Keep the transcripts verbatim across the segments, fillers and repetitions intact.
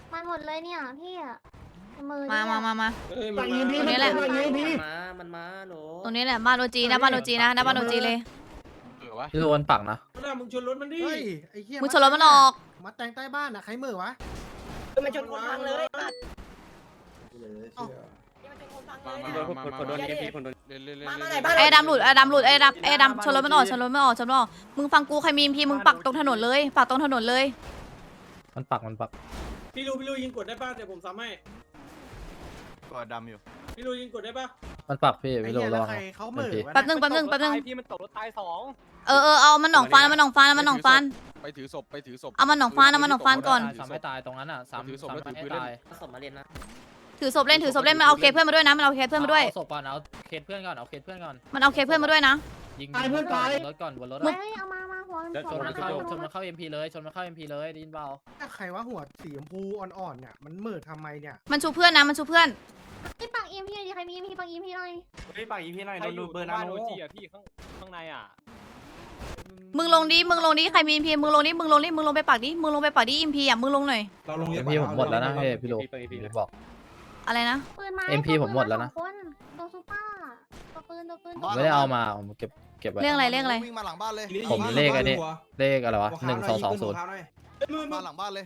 มันหมดเลยเนี่ยพี่อะมือมามามามาตรงนี้แหละมามันมาหนูตรงนี้แหละบ้านโอจีนะบ้านโอจีนะหน้าบ้านโอจีเลยพี่โดนปักนะมึงชนรถมันดิเฮ้ยไอ้เหี้ยมึงชนรถมันออกมาแต่งใต้บ้านอ่ะใครเหม่อวะมันชนคนพังเลยไอ้ดำหลุดไอ้ดำหลุดไอ้ดำไอ้ดำชนรถมันออกชนรถมันออกชนรถมันออกมึงฟังกูใครมีพีมึงปักตรงถนนเลยปักตรงถนนเลยมันปักมันปักพี่ลูพี่ลูยิงกดได้ป่ะเดี๋ยวผมซ้ำให้กอดดำอยู่พี่ลูยิงกดได้ป่ะมันปักพี่ไอ้พี่โดเหี้ยนแล้ระววังใครเขาเหม่อวะแป๊บนึงแป๊บนึงแป๊บนึงพี่มันตกรถตายสองเออเออเอามันหนองฟันเอามันหนองฟันเอามันหนองฟันไปถือศพไปถือศพเอามันหนองฟันเอามันหนองฟันก่อนสามไม่ตายตรงนั้นอ่ะสามถือศพสามแล้วถือไม่ปืนตายสมมาเรียนนะถือศพเล่นถือศพเล่นมันเอาเคสเพื่อนมาด้วยนะมันเอาเคสเพื่อนมาด้วยเอาศพก่อนเอาเคสเพื่อนก่อนเอาเคสเพื่อนก่อนมันเอาเคสเพื่อนมาด้วยนะยิงตายเพื่อนตายรถก่อนบนรถเฮ้ยเอามามาหัวชนหัวมันเข้าชนมันเข้าเอ็มพีเลยชนมันเข้าเอ็มพีเลยได้ยินเปล่าใครว่าหัวสีชมพูอ่อนๆเนี่ยมันเหม่อทำไมเนี่ยมันชูเพื่อนนะมันชูเพื่อนพี่ปักอีมพี่ดิใครมีอีมพี่ปักอีมพี่หน่อยเฮ้ยปากอีพี่หน่อยดูเบอร์นาโนจีอ่ะพี่ข้างข้างในอ่ะมึงลงดิมึงลงดิใครมีพีมึงลงดิมึงลงดิมึงลงไปปักดิมึงลงไปปักดิอิมพีอ่ะมึงลงหน่อยเอ็มพีผมหมดแล้วนะพี่พี่โดบอกอะไรนะปืนมาเอ็มพีผมหมดแล้วนะคนตัวซูเปอร์ตัวปืนตัวปืนไม่ได้เอามาผมเก็บเก็บไว้เรื่องอะไรเรื่องอะไรวิ่งมาหลังบ้านเลยผมเลขอันนี้เลขอะไรวะหนึ่งสองสองศูนย์มาหลังบ้านเลย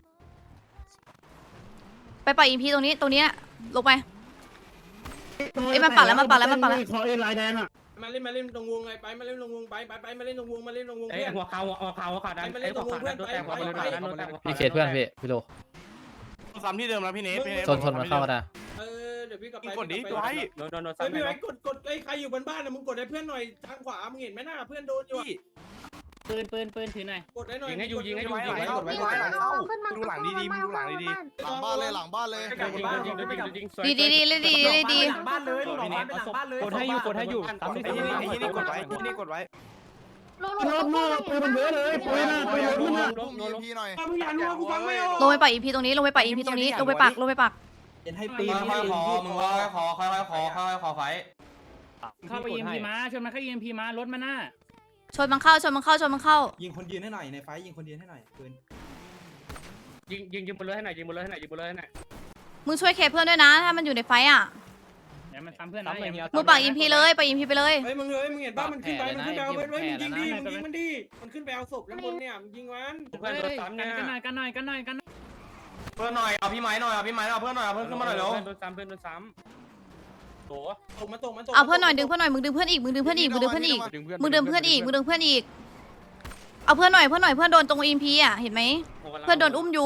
ไปปักอิมพีตรงนี้ตรงนี้ลงไปไอ้มันปักแล้วมันปักแล้วมันปักแล้วมาเล่นมาเล่นตรงวงไงไปมาเล่นตรงวงไปไปไปมาเล่นตรงวงมาเล่นตรงวงไอ้เพื่อนหัวขาวหัวขาวหัวขาวดันไอ้หัวขาวดันโดนแตกหัวขาวดันโดนแตกพี่เคสเพื่อนพี่พี่โดซ้ำที่เดิมแล้วพี่เนทชนชนมันเข้ามาได้เออเดี๋ยวพี่กลับไปกดดิตัวไอ้โดนโดนโดนเฮ้ยซ้ำพี่ไหมไว้กดกดไอ้ใครอยู่บนบ้านนะมึงกดให้เพื่อนหน่อยทางขวามึงเห็นไหมหน้าเพื่อนโดนอยู่ปืนปืนปืนถือหน่อยกดให้หน่อยยิงให้อยู่ยิงให้อยู่ยิงให้อยู่นี่เอาขึ้นมาดูหลังดีๆมึงดูหลังดีๆหลังบ้านเลยหลังบ้านเลยยิงยิงยิงยิงดีดีดีดีดีดีดีหลังบ้านเลยหลังบ้านหลังบ้านเลยกดให้อยู่กดให้อยู่ซ้ำที่ไอ้ที่นี่ไอ้ที่นี่กดไว้ที่นี่กดไว้ลงลงลงปืนมันเยอะเลยปืนปืนปืนมีพี่หน่อยมึงอย่ารัวกูฟังไม่ออกลงไปปักอิมพีตรงนี้ลงไปปักอิมพีตรงนี้ลงไปปักลงไปปักให้ปีนค่อยขอมึงค่อยขอค่อยขอค่อยขอไฟเข้าไป อี เอ็ม พี มาชนมันเข้า อี เอ็ม พี มารถมันน่ะชนมันเข้าชนมันเข้าชนมันเข้ายิงคนยืนให้หน่อยในไฟยิงคนยืนให้หน่อยปืนยิงยิงยิงบนรถให้หน่อยยิงบนรถให้หน่อยยิงบนรถให้หน่อยมึงช่วยเคสเพื่อนด้วยนะถ้ามันอยู่ในไฟอ่ะเดี๋ยวมันซ้ำเพื่อนนะมึงปักอิมพีเลยปักอิมพีไปเลยเฮ้ยมึงเลยมึงเห็นป่ะมันขึ้นไปมันขึ้นไปเอาเว้ยมึงยิงดิมึงยิงมันดิมันขึ้นไปเอาศพแล้วบนเนี่ยมึงยิงมันเพื่อนรถซ้ำเนี่ยกันหน่อยกันหน่อยกันหน่อยกันเพื่อนหน่อยเอาพี่ไม้หน่อยเอาพี่ไม้เอาเพื่อนหน่อยเอาเพื่อนขึ้นมาหน่อยเร็วเพื่อนรถซ้ำเพื่อนรถซ้ำโถตกมาตกมาตกเอาเพื่อนหน่อยดึงเพื่อนหน่อยมึงดึงเพื่อนอีกมึงดึงเพื่อนอีกมึงดึงเพื่อนอีกมึงดึงเพื่อนอีกมึงดึงเพื่อนอีกเอาเพื่อนหน่อยเพื่อนหน่อยเพื่อนโดนตรงอิมพีอ่ะเห็นไหมเพื่อนโดนอุ้มอยู่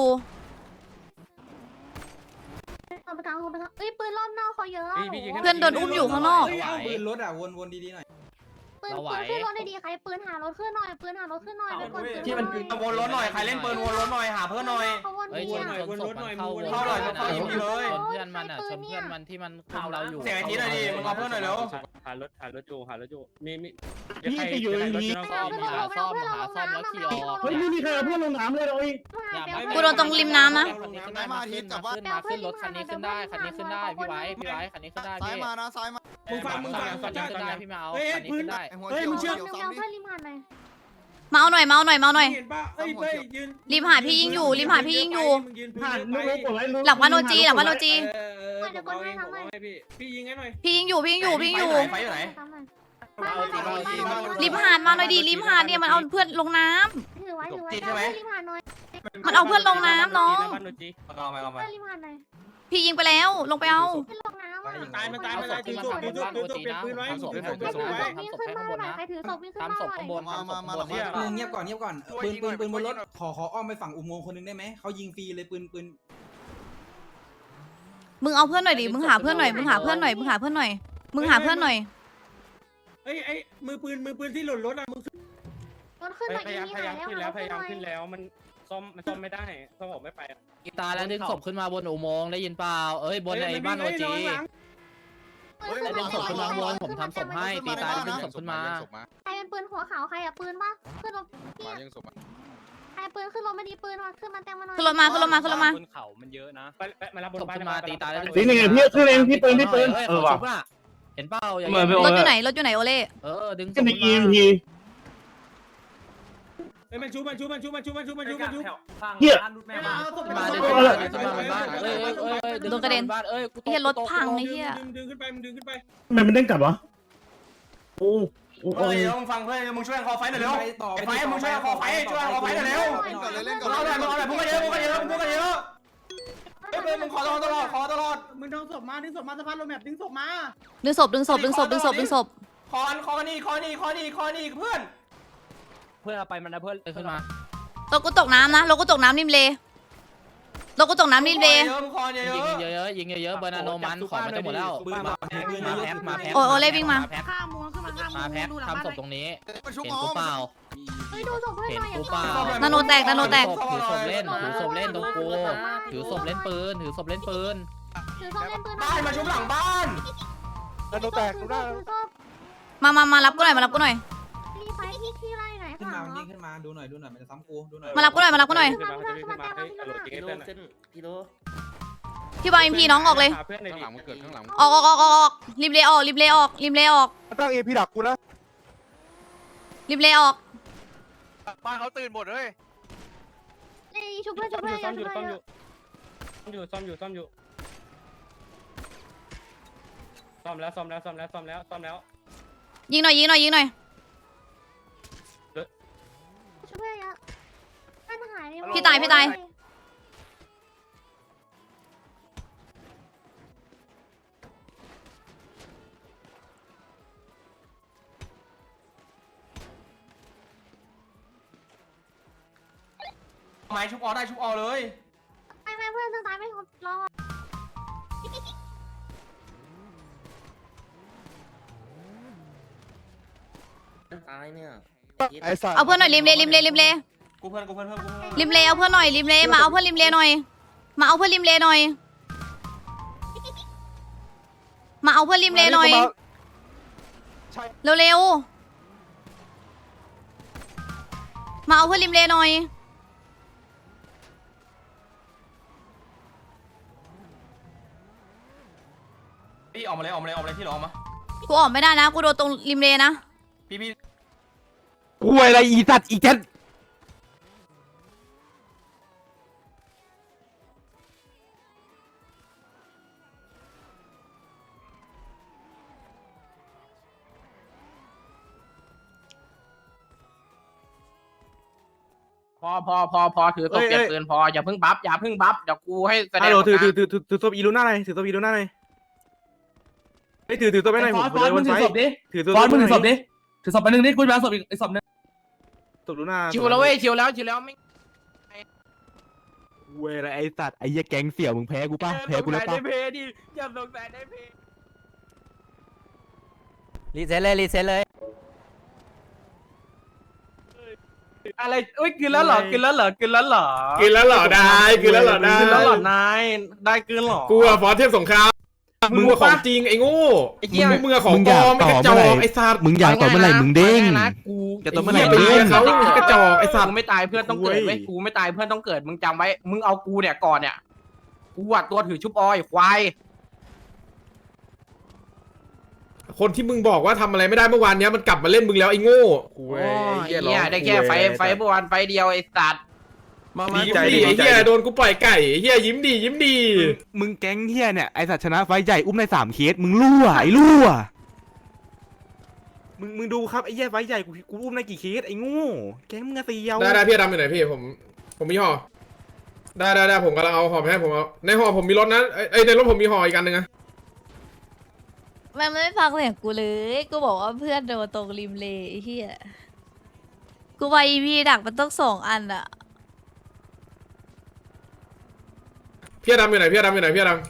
เอาไปกลางเอาไปกลางเอ้ยปืนรอบนอกเขาเยอะเพื่อนโดนอุ้มอยู่ข้างนอกปืนรถอ่ะวนวนดีๆหน่อยปืนปืนขึ้นรถได้ดีใครปืนหารถขึ้นหน่อยปืนหารถขึ้นหน่อยเป็นคนที่มันวนรถหน่อยใครเล่นปืนวนรถหน่อยหาเพื่อนหน่อยเขาวนเฮ้ยชเนี่ยนชนศพมันเข้าเข้าหน่อยเข้าอีกทีเลยชนเพื่อนมันอ่ะชนเพื่อนมันที่มันคุมเราอยู่เสียงไอ้ทีหน่อยดิมึงเอาเพื่อนหน่อยเร็วหารถหารถจูหารถจูมีมีนี่จะอยู่อย่างนี้ซ่อมหาซ่อมหาซ่อมแล้วขี่ออกเฮ้ยไม่มีใครเอาเพื่อนลงน้ำเลยเลยกูโดนตรงริมน้ำนะขึ้นมาขึ้นมาขึ้นมาขึ้นรถคันนี้ขึ้นได้คันนี้ขึ้นได้พี่ไว้พี่ไว้คันนี้ขึ้นได้ซ้ายพี่มานะซ้ายมามึงฟังมึงฟังคันนี้ขึ้นได้พี่มาเอาคันนี้ขึ้นได้ไอ้หัวเขียวเดี๋ยวเขียวเดี๋ยวซ้ำดิเพื่อนริมหาดหน่อยมาเอาหน่อยมาเอาหน่อยมาเอาหน่อยเห็นป่ะเอ้ยเฮ้ยยืนริมหาดพี่ยิงอยู่ริมหาดพี่ยิงอยู่มึงยืนผ่านลูกลูกกดไว้หลังวันโอจีหลังวันโอจีเออเออผมเอาเองผมเอาให้พี่พี่ยิงให้หน่อยพี่ยิงอยู่พี่ยิงอยู่พี่ยิงอยู่ไฟอยู่ไหนริมหาดมาหน่อยดิริมหาดเนี่ยมันเอาเพื่อนลงน้ำถือไว้ถือไว้เพื่อนริมหาดหน่อยมันเอาเพื่อนลงน้ำน้องบ้านโนจีเอาไปเอาไปเพื่อนริมหาดหน่อยพี่ยิงไปแล้วลงไปเอาเพื่อนลงน้ำอ่ะตายมันตายมันตายถือศพถือศพถือศพเปลี่ยนปืนไว้ถือศพเปลี่ยนปืนไว้ทำศพให้ข้างบนนะใครถือศพวิ่งขึ้นทำศพข้างบนมาทำศมาพมาข้างบนเนี่ยมึงเงียบก่อนเงียบก่อนปืนปืนปืนบนรถขอขออ้อมไปฝั่งอุโมงค์คนนึงได้ไหมเขายิงฟรีเลยปืนปืนมึงเอาเพื่อนหน่อยดิมึงหาเพื่อนหน่อยมึงหาเพื่อนหน่อยมึงหาเพื่อนหน่อยมึงหาเพื่อนหน่อยเอ้ยไอ้มือปืนมือปืนที่หล่นรถอ่ะมึงรถขึ้นหน่อยพอียายามนี่พยายามหายขึ้นแล้แล้ว วพยายามขึ้ขึ้นนแล้วแล้วมันซ่อมมันซ่อมไม่ได้ซ่อมออกไม่ไปกีตาร์แล้วดึงศพขึ้นมาบนอุโมงค์ได้ยินเปล่าเอ้ยบนไอ้บ้านโอจีได้ดึงศพขึ้นมาบนผมทำศพให้ตีตายดึงศพขึ้นมาใครเป็นปืนหัวขาวใครอะปืนปะขึ้นรถพี่ยังศพมาใครปืนขึ้นรถไม่ดีปืนมาขึ้นมาเต็มมาหน่อยขึ้นรถมาขึ้นรถมาขึ้นรถมาบนเขามันเยอะนะไปมารับบนศพบ้านขึ้นมาตีตายแล้วนี่ไงพี่ขึ้นเองพี่ปืนพี่ปืนเออว่ะเห็นเปล่าอย่างนี้รถอยู่ไหนรถอยู่ไหนโอเล่เออดึงศขึ้พนในขึ้นอีมาพีเฮ้ยมันชุบมันชุบมันชุบมันชุบมันชุบมันชุบมันชุบเหี้ยมาดิมาบ้านเอ้ยเอ้ยเอ้ยดึงบ้านเอ้ยกูไอ้เหี้ยรถพังไอ้เหี้ยดึงดึงขึ้นไปมึงดึงขึ้นไปทำไมมันเด้งกลับวะโอ้โอ้เฮ้ยมึงฟังเพื่อนมึงช่วยคอไฟหน่อยเร็วไอ้ไฟมึงช่วยคอไฟช่วยคอไฟหน่อยเร็วเล่นก่อนเลยเล่นก่อนเอาหน่อยมึงเอาหน่อยมึงก็เยอะมึงก็เยอะมึงก็เยอะเฮ้ยมึงขอตลอดตลอดขอตลอดมึงดึงศพมาดึงศพมาสะพานโรแมปดึงศพมาดึงศพดึงศพดึงศพดึงศพดึงศพคอนคอนี่คอนี่คอนี่คอนี่เพื่อนเพื่อนเอาไปมันนะเพื่อนขึ้นมารถกูตกน้ำนะรถกูตกน้ำริมเลรถกูตกน้ำริมเลเยอะมึงคอเยยิงอะเยอะๆยิงเยอะๆเบอร์นาโนมันของมันจะหมดแล้วปืนมาปืนมามาแพ็คมาแพ็คโอ้โอ้เล่วิ่งมาแพ็คข้ามมัวขึ้นมาข้ามมาแพ็คดูหลังทำบ้านศพตรงนี้มันชุบเห็นหมอกูเปล่าเฮ้ยดูศพเพื่อนเห็นหน่อยอย่ากูงเปล่านาโนแตกนาโนแตกถือศพเล่นถือศพเล่นตรงกูถือศพเล่นปืนถือศพเล่นปืนถือศพเล่นปืนบ้านมาชุบหลังบ้านแล้วโดนแตกดูได้ถือศพมามามารับกูหน่อยมารับกูหน่อยมีไฟที่ที่ไล่ไหนขึ้นข้างหมาลังยิงขึ้นมาดูหน่อยดูหน่อยมันจะซ้ำกูดูหน่อยมารับกูหน่อยมารับกูหน่อยขึ้นมาขึ้นมาขึ้นมาขึ้นมากิโลเส้นกิโลพี่บอยเอ็มพีน้องออกเลยเพื่อนในข้างหลังมันเกิดข้างหลังออกออกออกออกออกริมเลออกริมเลออกริมเลออกตั้งเอพีดักกูนะริมเลออกบ้านเขาตื่นหมดเลยนี่ชุบเพื่อนชุบเพื่อนซ่อมอชุยู่บซ่อมเพื่ออนยู่ซ่อมอยู่ซ่อมอยู่ซ่อมอยู่ซ่อมแล้วซ่อมแล้วซ่อมแล้วซ่อมแล้วซ่อมแล้วยิงหน่อยยิงหน่อยยิงหน่อยชุบเพื่อนเยอะเพื่อนหายเลยพี่ตายพี่ตายไม้ชุบออได้ชุบออเลยไม่ไม่เพื่อนต้องตายไม่รอดตายเนี่ยไอ้สัตว์เอาเพื่อนหน่อยริมเลริมเลริมเลกูเพื่อนกูเพื่อนเพื่อนกูเพื่อนริมเลเอาเพื่อนหน่อยริมเลมาเอาเพื่อนริมเลหน่อยมาเอาเพื่อนริมเลหน่อยมาเอาเพื่อนริมเลหน่อยเร็วๆมาเอาเพื่อนริมเลหน่อยพี่ออกมาเลยออกมาเลยออกมาเลยพี่หลออกมากูออกไม่ได้นะกูโดนตรงริมเลนะพี่พี่กูอะไรอีสัตว์อีเจ็ดพอพอพอพอถือศพเก็บปืนพออย่าเพิ่งบัฟอย่าเพิ่งบัฟเดี๋ยวกูให้แสดฮังลโหลถือถือถือถือถือตัวอีลูน่าหน่อยถือตัวอีลูน่าหน่อยไม่ถือถือตัวไปหน่อยผมเลยวันไฟถือตัวฟอนมึงถือศพดิถือศพไปหนึ่งนิดกูจะเอาศพอีกศพนึงตัวลูน่าชิวแล้วเว้ยชิวแล้วชิวแล้วไม่เว้ยไอ้สัตว์ไอ้ยี่แก๊งเสี่ยวมึงแพ้กูป่ะแพ้กูแล้วป่ะได้เพดิอย่าสงสัยได้เพรีเซ็ตเลยรีเซ็ตเลยอะไรเอ้ยกินแล้วเหรอกินแล้วเหรอกินแล้วเหรอกินแล้วเหรอได้กินแล้วเหรอได้กินแล้วเหรอนายได้กินเหรอกูอะฟอสเทพสงครามมึงอะของจริงไอ้โง่ไอ้เหี้ยมึงมึงอะของปลอมไม่กระจอกไอ้สัตว์มึงอยากต่อเมื่อไหร่มึงเด้งนะกูจะต่อเมื่อไหร่ไปเรียนเขากระจอกไอ้สัตกูว์ไม่ตายเพื่อนต้องเกิดไว้กูไม่ตายเพื่อนต้องเกิดมึงจำไว้มึงเอากูเนี่ยก่อนเนี่ยกูอะตัวถือชุบออยควายคนที่มึงบอกว่าทำอะไรไม่ได้เมื่อวานเนี้ยมันกลับมาเล่นมึงแล้วไอ้โง่โอ้ยเนี่ยได้แค่ไฟไฟเมื่อวานไฟเดียวไอ้สัตว์มามายิ้มใจดีดีไอ้ใจเหี้ยดีโดนกูปล่อยไก่ไอ้เหี้ยยิ้มดียิ้มดีมึงแก๊งเฮียเนี่ยไอสัตว์ชนะไฟใหญ่อุ้มในสามเคสมึงรั่วไอ้รั่วมึงมึงดูครับไอ้เหี้ยไฟใหญ่กูกูอุ้มในกี่เคสไอ้โง่แก๊งมึงอะเตียวได้ได้พี่ดำอยู่ไหนพี่ผมผมมีห่อได้ได้ได้ผมกำลังเอาห่อไปให้ผมเอาในห่อผมมีรถนะไอ้ในรถผมมีห่ออีกอันหนึ่งนะมันไม่ฟังเสียงกูเลยกูบอกว่าเพื่อนโดนตรงริมเลไอ้เหี้ยกูไปอีพีดักมันต้องสองอันอะพี่ดำอยู่ไหนพี่ดำอยู่ไหนพี่ดำ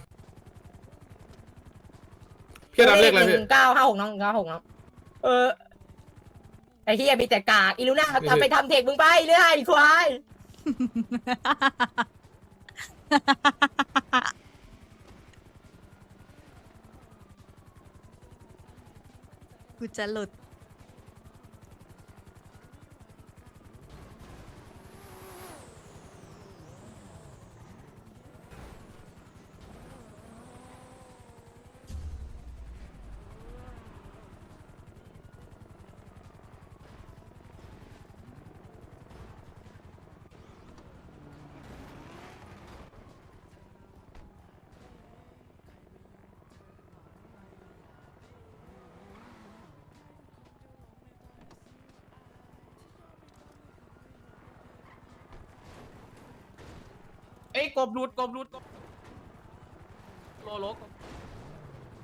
พี่ดำเลขอะไรพี่เก้าห้าหกน้องเก้าหกน้องเออไอ้เฮียมีแต่กากอีลูน่าทำไปทำเทคมึงไปเรื่อยไอ้ควายกูจะหลุดเอ้ยกบรูดกบรูดกบโลโลกบ